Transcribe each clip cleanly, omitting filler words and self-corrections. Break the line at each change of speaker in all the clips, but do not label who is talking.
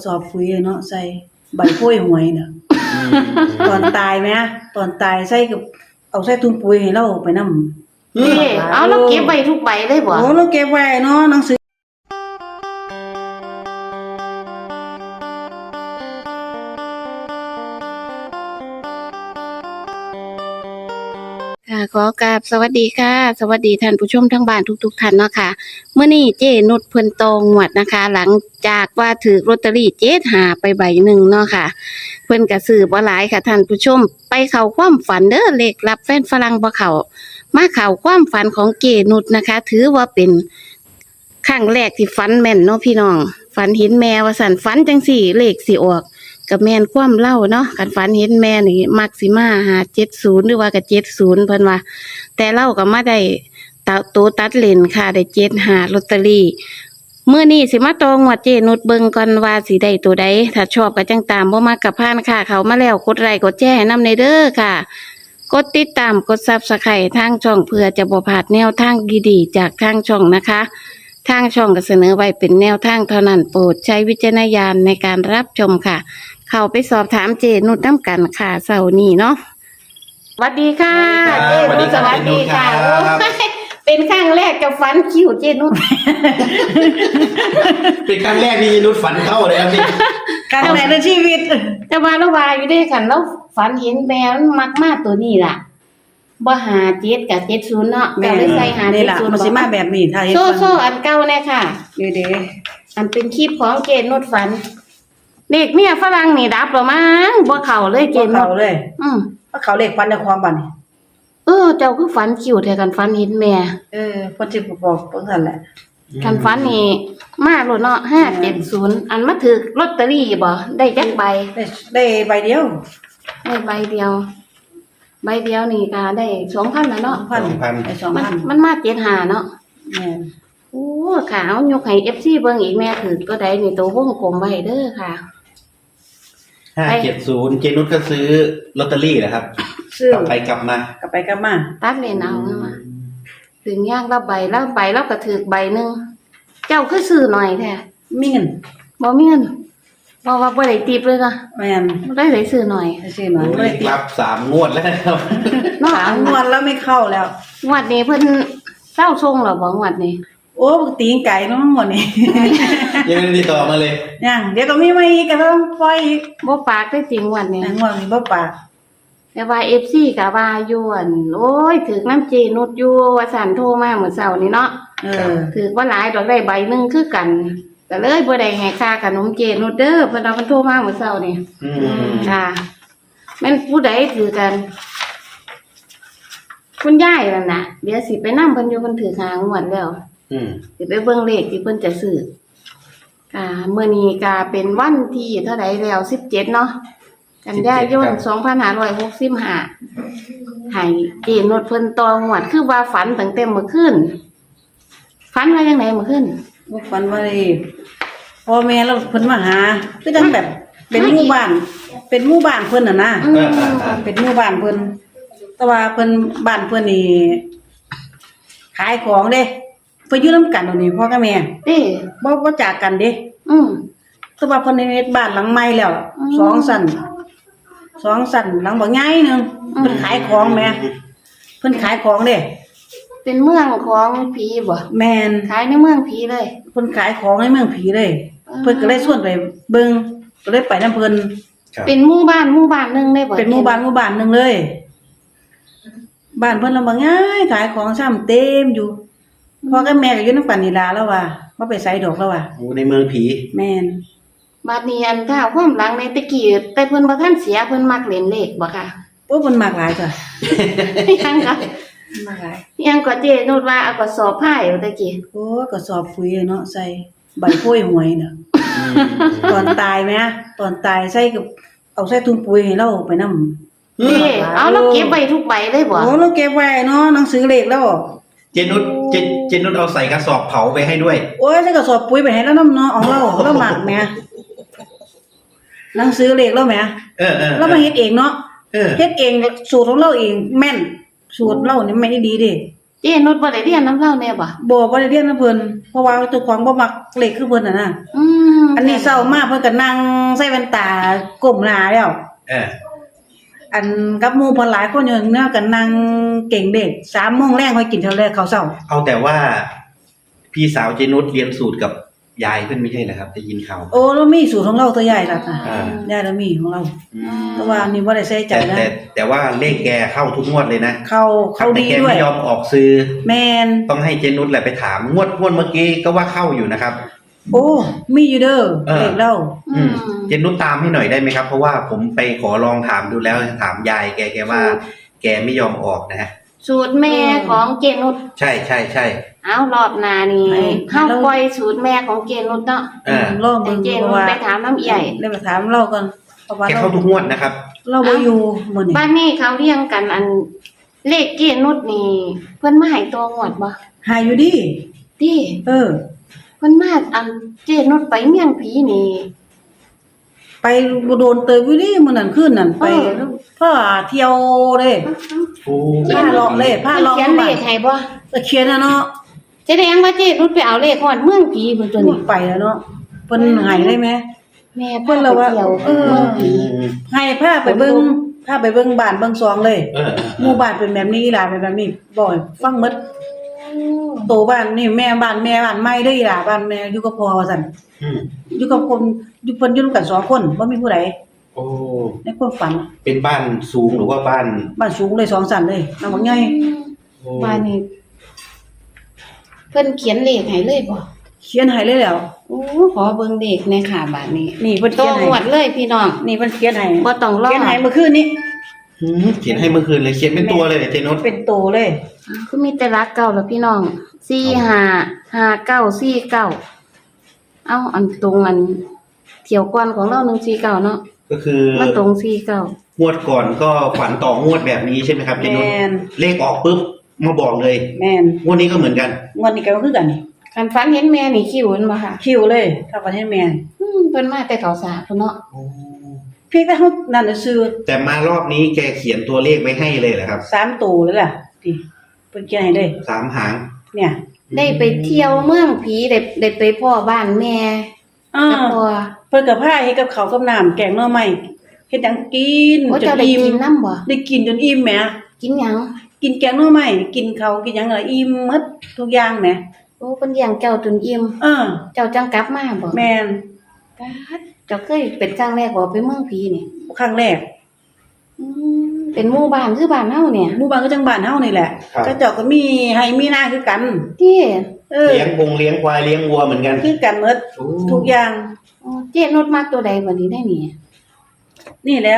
สอบปุ๋ยเนาะใส่ใบโพยหวยน่ะตอนตายแหมตอนตายใส่กับเอาใส่ถุงปุ๋ยให้เราไปนำ
นี่เอาแล้วเก็บไว้ทุกใบเลยบ่
โอ้เราเก็บไว้เนาะหนังสือ
ค่ะขอกราบสวัสดีค่ะ สวัสดีท่านผู้ชมทั้งบ้านทุกท่านเนาะค่ะเมื่อนี้เจนุชเพิ่นตองหวดนะคะ หลังจากว่าถือลอตเตอรี่7 หาไปใบหนึ่งเนาะค่ะ เพิ่นก็ซื้อบ่หลายค่ะท่านผู้ชมไปเข้าความฝันเด้อเลขรับแฟนฝรั่งบ่เข้ามาเข้าความฝันของเจนุชนะคะ ถือว่าเป็นครั้งแรกที่ฝันแม่นเนาะพี่น้องฝันเห็นแม่ว่าสั่นฝันจังสี่เลขสิออกกับแม่นความเล่าเนาะกันฝันเห็นแม่นี่มักสิมา570หรือว่าก็70เพิ่นว่าแต่เล่าก็มาได้ตัวตัดเลนค่ะได้75ลอตเตอรี่มื้อนี้สิมาตองงวดเจนุชเบิ่งก่อนว่าสิได้ตัวใดถ้าชอบก็จังตามบ่มักก็ผ่านค่ะเขามาแล้วกดไลค์กดแชร์ให้นำในเด้อค่ะกดติดตามกด Subscribe ทางช่องเพื่อจะบ่พลาดแนวทางดีๆจากทางช่องนะคะทางช่องก็เสนอไว้เป็นแนวทางเท่านั้นโปรดใช้วิจารณญาณในการรับชมค่ะเข้าไปสอบถามเจนุชนำกันค่ะเสาร์นี้เนาะสวัสดีค่ะเจนุชสวัสดีค่ะเป็นครั้งแรกกับฝันคิวเจนุช
เป็นครั้งแรกที่นุชฝันเข้าเลยครับพี่
ครั้งแรกในชีวิต
แต่ว่าเราว่าอยู่ด้วยกันแล้วฝันเห็นแมวมันมักมากตัวนี้ล่ะบ่57กับ70เนาะก็เลยใส่
นี่ล่ะมันสิมาแบบนี้ถ้าเฮ็ด
โซ่อันเก่าแน่ค่ะ
เด้
อันเป็นคลิปของเจนุชฝันเด็กเมียฝรั่งนี่ดับแล้วมั้งบ่เข้าเลยเจนุช
เข้าเลย
เพ
ราะเขาเลขฟันในความบัดนี่
เจ้าคือฝันคิวแท้กันฝันเห็นแม่
เพิ่นสิบอกจังซั่นแหละ
กันฝันนี่มาโลดเนาะ570อันมาถึกลอตเตอรี่บ่ได้จักใบ
ได้ใบเดียว
ได้ใบเดียวนี่ก็ได้ 2,000 แล้วเนาะ
2,000ได้ 2,000
มันมา75เนาะ
แม่น
โอ้ค่ะเอายกให้ FC เบิ่งอีกแม่ถือก็ได้นี่ตัววงกลมไว้เด้อค่ะ
570เจนุชก็ซื้อลอตเตอรี่นะครับกลับไปกลับมา
ตัดเลนเอามาถึงย่างละใบแล้วก็ถือใบนึงเจ้าคือซื้อหน่อยแท้
มีเงิน
บ่มีเงินบ่ว่าบ่ได้ติปเลยเนาะ
แม่น
ได้ซื้อหน่อย
บ่ได้ติปรับ3งวดแล้วครับ
3งวดแล้วไม่เข้าแล้ว
งวดนี้เพิ่นเจ้าส่งแล้วบ่งวดนี้
โอ้ตีงไก่เนาะหมดนี่
ยังไม่ได้ติดต่อมาเลย
ยังเดี๋ยวก็มีมาอีกก็ต้องปล่อยอีก
บ่ปากได้จริงงวดนี้
งวดนี้บ่ปาก
แต่ว่า FC ก็ว่าอยู่อั่นโอ้ยถึกน้ำเจนุชอยู่ว่าสั่นโทรมาเมื่อเช้านี้เนาะถึกว่าหลายดอกได้ใบนึงคือกันก็เลยบ่ได้ให้ค่าขนมเจนุชเด้อเพิ่นเอาเพิ่นโทรมาเมื่อเช้านี้ค่ะแม่นผู้ใดถือกันคุณยายนั่นน่ะเดี๋ยวสิไปนำเพิ่นอยู่เพิ่นถือหางวดแล้วสิไปเบิ่งเลขที่เพิ่นจะซื้อค่ะมื้อนี้ก็เป็นวันที่เท่าใดแล้ว17เนาะกันยายน2565ให้เจนุชเพิ่นตองวดคือว่าฝันตั้งแต่เมื่อคืนฝันว่าจังได๋เมื่อคืน
บ่ฝันว่าได้พ่อแม่เราเพิ่นมาหาคือจังแบบเป็นหมู่บ้านเพิ่นน่ะนะเป็นหมู่บ้านเพิ่นแต่ว่าเพิ่นบ้านเพิ่นนี่ขายของเด้เพิ่นอยู่นำกันนี่พ่อกับแม่บ่จากกันเด้แต่ว่าเพิ่นเฮ็ดบ้านหลังใหม่แล้ว2ชั้นหลังบ่ใหญ่นึงเพิ่นขายของแม่เพิ่นขายของเด้
เป็นเมืองของผีบ่
แม่น
ขายในเมืองผีเลย
เพิ่นขายของในเมืองผีเลยเพิ่นก็เลยชวนไปเบิ่งก็เลยไปนำเพิ่น
เป็นหมู่บ้านนึงได้บ่
เป็นหมู่บ้านนึงเลยบ้านเพิ่นลำบากง่ายขายของซ้ำเต็มอยู่พ่อกับแม่ก็อยู่นำกันนี่ล่ะแล้วว่าบ่ไปไสดอกแล้วว่า
โอ้ในเมืองผี
แม่น
บัดนี้อันถ้าความหลังในตะกี้แต่เพิ่นบ่ทันเสียเพิ่นมักเล่นเลขบ่ค่ะ
โอ้เพิ่นมักหลายจ้ะ
ยังก็
มักหลาย
ยังก็เจนุชว่าเอากระสอบผ้าอยู่ตะกี้
โอ้กระสอบปุ๋ยเนาะใส่ใบโพยหวยน่ะตอนตายแหมตอนตายใส่กับเอาใส่ถุงปุ๋ยให้เราไปนำ
นี่เอาแล้วเก็บไว้ทุกใบเลยบ่
โอ้เราเก็บไว้เนาะหนังสือเลขแล้ว
เจนุชเอาใส่กระสอบเผาไปให้ด้วย
โอ้ยใส่กระสอบปุ๋ยไปให้แล้วนำเนาะเอาเรามักแหมหนังสือเลขแล้วแหมเรามาเฮ็ดเองเนาะเฮ็ดเองสูตรของเราเองแม่นสูตรเรานี่แม่นดีเด้
เจนุชบ่ได้เรียนน้ำเล่าแน่บ่
บ่ได้เรียนนำเพิ่นเพราะว่าเจ้าของบ่มักเลขคือเพิ่นน่ะนะ อันนี้เศร้ามากเพิ่นก็นั่งใส่แว่นตาก้มหน้าแล้ว
เออ
อันกับหมู่เพิ่นหลายคนอยู่แนวกันนั่งเก่งเด็ก3 โมงแลงค่อยกินเท่าแรกข้าวเช้า
เอาแต่ว่า พี่สาวเจนุชเรียนสูตรกับยายเพิ่นไม่ใช่เหรอครับได้ยินข่าว
โอ้เรามีสูตรของเราตัวใหญ่ล่ะค่ะ
อ่า
ยายเรามีของเรา
อืม
แต่ว่านี่บ่ได้ใส่ใจ
แต่
นะ
แต่ว่าเลขแกเข้าทุกงวดเลยนะ
เขาดี
แต่แก
ด้วย
ไม่ยอมออกซื้อ
แม่น
ต้องให้เจนุชแหละไปถามงวดเมื่อกี้ก็ว่าเข้าอยู่นะครับ
โอ้มีอยู่เด้อ
เออ
เลขเรา
อืมเจนุชตามให้หน่อยได้ไหมครับ เพราะว่าผมไปขอลองถามดูแล้วถามยายแกว่า แกไม่ยอมออกนะฮะ
สูตรแม่ของเจนุช
ใช่ใช่ใช่
เอารอบหน้านี่เฮาปล่อยสูตรแม่ของเจนุชเนาะ
ลอง
ให้
เบิ่ง
เจ
เพ
นุ
ราะ
ช
ว่า
ไปถามน้ำใหญ่
ได้ไปถามเราก่อนเพราะว่า
แก
เรา
เข้าทุกงวดนะครับ
เราบ่อยู่มื้อนี้
บ้านนี้เขาเรียงกันอันเลขเจนุชนี่เพิ่นมาให้ตัวงวดบ่
หายอยู่ดิ
ติ
เออ
เพิ่นมาอันเจนุชไปเมียงผีนี่
ไปบ่โดนเตยอยู่ดิมื้อนั้นคืนนั้นไปพาเที่ยวเด้
โอ้
ผ้าเลาะเลยผ้าเลาะ
เขียนเลขให้บ่
ตะเคียนน่ะเนาะ
แสดงว่าเจนุชไปเอาเลขฮอดเมืองผีเพิ่นตัว
พู
นี้
ดไปแล้วเนาะเพิ่นใหายได้ไหม
แม่
เพิ่
เพิ่น
น
เรา
เราว่า
เที่ยว
เออ
เมืองผี
ให้พาไปเบิ่งพาไปเบิ่งบ้านเบิ่งซองเลย
เออ
หมู่บ้านเป็นแบบนี้อีหลาเป็นแบบนี้บ่อยฟังหมดโตบ้านนี่แม่บ้านใหม่เด้ออีหลาบ้านแม่อยู่กับพ่อว่าซั่น
อืม
อยู่กับคนอยู่เพิ่นอยู่นำกัน2 คนบ่มีผู้ใด
โอ้
ในความฝัน
เป็นบ้านสูงหรือว่าบ้าน
บ้านสูงเลย2 ชั้นเลยนำบักใหญ่
โอ้
บ้านนี้เพิ่นเขียนเลขให้เลยบ่
เขียนให้เลยแล้ว
โอ้ขอเบิ่งเลขในค่ะบ้านนี้
นี่เพิ่น
โต
เขียนให้
งวดเลยพี่น้อง
นี่เพิ่นเขียนให้
บ่ต้องรอ
เขียนให้เมื่อคืนนี้
เขียนให้เมื่อคืนเลยเขียนเป็นตัวเลยเจนุช
เป็นโตเลย
คือมีแต่รักเก่าแล้วพี่น้อง455949เอาอันตรงอันเที่ยวก่อนของเรา149เนาะ
ก็คือ
มันตรง49
งวดก่อนก็ฝันต่องวดแบบนี้ใช่ไหมครับเจนุช
แม่น
เลขออกปุ๊บมาบอกเลย
แม่น
งวดนี้ก็เหมือนกัน
งวดนี้ก็คือกันนี่
คันฝันเห็นแม่นี่คิวมันบ่ค่ะ
คิวเลยถ้าประเทศแม่น
เพิ่นมาแต่เขาสาเพิ่นเนาะ
เพียงแต่เฮานั่นน่ะซื้อ
แต่มารอบนี้แกเขียนตัวเลขไว้ให้เลยเหรอครับ
3ตัวเลยล่ะติเพิ่นเขียนให้เลย
3 หาง
เนี่ย
ได้ไปเที่ยวเมืองผีได้ไปพ่อบ้านแม่
อ่า
กับพ่อ
เพิ่นก็พาเฮ็ดกับข้าวกับน้ำแกงหน่อไม้เฮ็ดหยังกิน
โอ้
จ
เจ้าน ได้
อิ่ม
กินน้ำบ่
ได้กินจนอิ่มแหม
กินหยัง
กินแกงหน่อไม้กินข้าวกินหยังก็อิ่มหมดทุกอย่างแหม
โอ้เพิ่นเลี้ยงเจ้าจนอิ่ม
เออ
เจ้าจังกลับมาบ่
แม่น
ป๊าดเจ้าเคยเป็นครั้งแรกบ่ไปเมืองผีนี่
ครั้งแรก
อืมเป็นหมู่บ้านคือบ้านเฮาเนี่ย
หมู่บ้านก็จังบ้านเฮานี่แหละ
ครับ
ก็เจ้าก็มีให้มีนาคือกัน
ที่
เออ
เลี้ยงควายเลี้ยงวัวเหมือนกัน
คือกันหมด
โอ้
ทุกอย่าง
อ๋อเจ๊นุชมักตัวใดบัดนี้ได้นี่
นี่แล้ว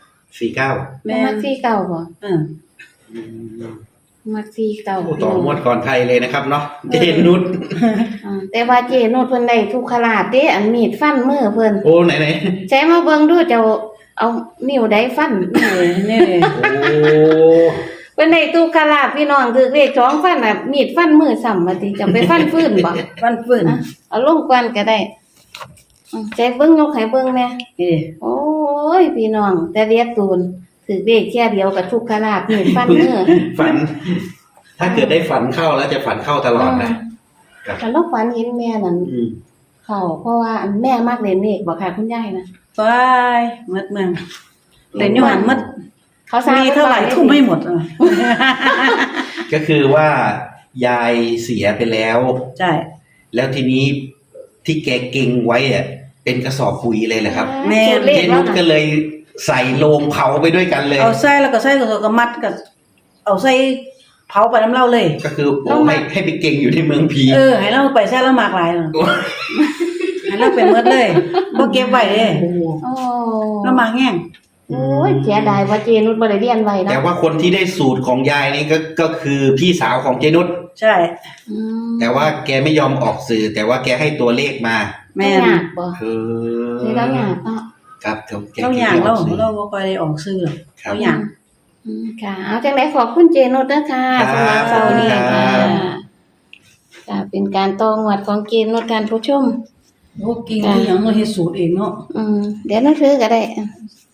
49
แม่
มัก49บ่
เออ
มัก49
โอ้ต่องวดก่อนใครเลยนะครับเนาะเจนุช
แต่ว่าเจ๊นุชเพิ่นได้ทุกขลาดเด้อันมีดฟันมือเพิ่น
โอ้ไหน
ใช้มาเบิ่งดูเจ้าเอานิ้วใดฟัน
นี่เลย
ๆโอ้
เพิ่นได้ทุกขลาดพี่น้องถือเลข2ฟันน่ะมีดฟันมือซ้ำว่าติจะไปฟันฟื้นบ่
วันฟื้น
เอาลงก่อนก็ได้ใจเบิ่งยกให้เบิ่งแหน่
นี่
โอ้ยพี่น้องแต่เรียกตูนถือเลขแค่เดียวกับทุกขลาบมีดฟันมือ
ฝัน ถ้าเกิดได้ฝันเข้าแล้วจะฝันเข้าตลอดนะ
แต่เราฝันเห็นแม่นั่น
อืม
เขาเพราะว่าอันแม่มักเล่นเลขบ่ค่ะคุณยายนะ
ไปหมดเมืองเล่นอยู่หันหมด
เขาสร้าง
มีเท่าไหร่ทุ่มไม่หมดอ่ะ
ก็คือว่ายายเสียไปแล้ว
ใช่
แล้วทีนี้ที่แกเก่งไว้อะเป็นกระสอบปุ๋ยเลยแหละครับ
สูตรเล
เจ
ข
นุ
แล้ว
ชก็
นะ
เลยใส่โลงเผาไปด้วยกันเลย
เอาใส่แล้วก็ใส่ก็มัดก็เอาใส่เผาไปน้ำเหล้าเลย
ก็คือโอ้ให้ไปเก่งอยู่ในเมืองผี
เออให้เราไปใส่แล้วมากหลายเนาะ
โอ้
ให้เราเป็นหมดเลยบ่เก็บไว้เด้
โอ้
เรามาแห้ง
โอ้ยเสียดายว่าเจนุชบ่ได้เรียนไว้นะ
แต่ว่าคนที่ได้สูตรของยายนี่ก็คือพี่สาวของเจนุช
ใช่
อืม
แต่ว่าแกไม่ยอมออกสื่อ แต่ว่าแกให้ตัวเลขมา
แม่น
ยากบ่
คือ
สิแล้วยากเนาะ
ครับแก
เราอยาก
ไม่
เรา
ออกสื่อ
เราบ่ค่อยได้ออกซื้อหรอก
ครับ
เราอยาก
ค่ะเอาจังได๋ขอบคุณเจนุชเด้อค่ะ
ครับ
สำหรับเช้านี้
ครั
ค่ะ
บ
ค่ะเป็นการต่องวดของเจนุชการผู้ชม
โอ้กินคือหยังเราเฮ็ดสูตรเองเนาะ
เดี๋ยวหนังสือก็ได้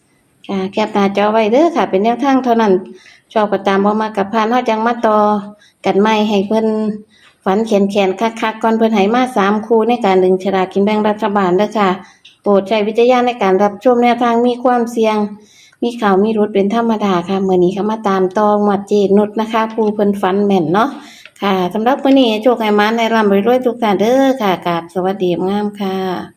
ค่ะแคปหน้าจอไว้เด้อค่ะ เป็นแนวทางเท่านั้นชอบก็ตามบ่มากับพานเฮาจังมาต่อกันใหม่ให้เพิ่นฝันแขนๆคักๆก่อนเพิ่นให้มา3คู่ในการดึงฉลากกินแบ่งรัฐบาลเด้อค่ะ โปรดใช้วิจารณญาณในการรับชมแนวทางมีความเสี่ยง มีข่าวมีรุดเป็นธรรมดาค่ะมื้อนี้ก็มาตามต่อหมวดเจนุชนะคะผู้เพิ่นฝันแม่นเนาะค่ะสำหรับมื้อนี้โชคให้หมานให้ร่ำรวยๆทุกท่านเด้อค่ะกราบสวัสดีงามค่ะ